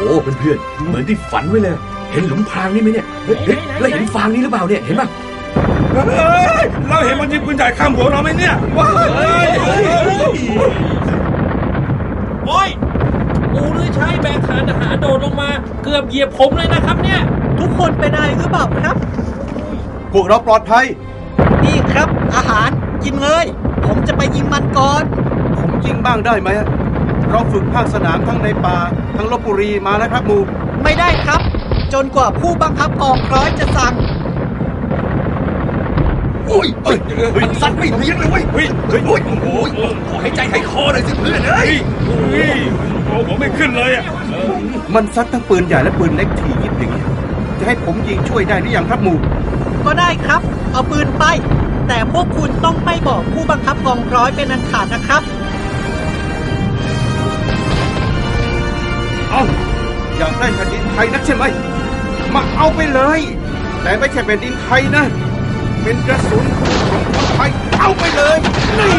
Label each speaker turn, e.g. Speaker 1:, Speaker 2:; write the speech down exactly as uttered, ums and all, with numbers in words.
Speaker 1: เพื่อนๆเหมือนที่ฝันไว้เลยเห็นหลุมพรางนี่ไหมเนี่ยเฮ้ยแล้วเห็นฟางนี่หรือเปล่าเนี่ยเห็นป่ะ
Speaker 2: เราเห็นมันยิงปืนใหญ่ข้ามหัวเราไหมเนี่ยว้าว
Speaker 3: โอ้ยปูลือใช้แบกฐานทหารโดดลงมาเกือบเหยียบผมเลยนะครับเนี่ย
Speaker 4: ทุกคนเป็นอะไรหรือเปล่าครับ
Speaker 5: พวกเราปลอดภัย
Speaker 4: นี่ครับอาหารกินเลยผมจะไปยิงมันก่อน
Speaker 5: ผมยิงบ้างได้ไหมเราฝึกภาคสนามทั้งในป่าทั้งลพบุรีมาแล้วครับมู
Speaker 4: ไม่ได้ครับจนกว่าผู้บังคับกองร้อยจะสั่ง
Speaker 1: โอ้ยเฮ้ยมันซัดไม่เลี้ยงเลยเว้ยเฮ้ยเฮ้ยโอ้ยโอ้ยขอให้ใจให้คอหน่อยสิเพื่อนเอ้ย
Speaker 2: เฮ้ยโอ้ผมไม่ขึ้นเลยอ่ะ
Speaker 5: มันซัดทั้งปืนใหญ่และปืนเล็กทียิบอย่างนี้จะให้ผมยิงช่วยได้หรือยังครับมู
Speaker 4: ก็ได้ครับเอาปืนไปแต่พวกคุณต้องไม่บอกผู้บังคับกองร้อยเป็นอันขาดนะครับ
Speaker 5: เอาอยากได้แผ่นดินไทยนักใช่ไหมมาเอาไปเลยแต่ไม่ใช่แผ่นดินไทยนะเป็นกระสุนของคนไทยเอาไปเลยนี่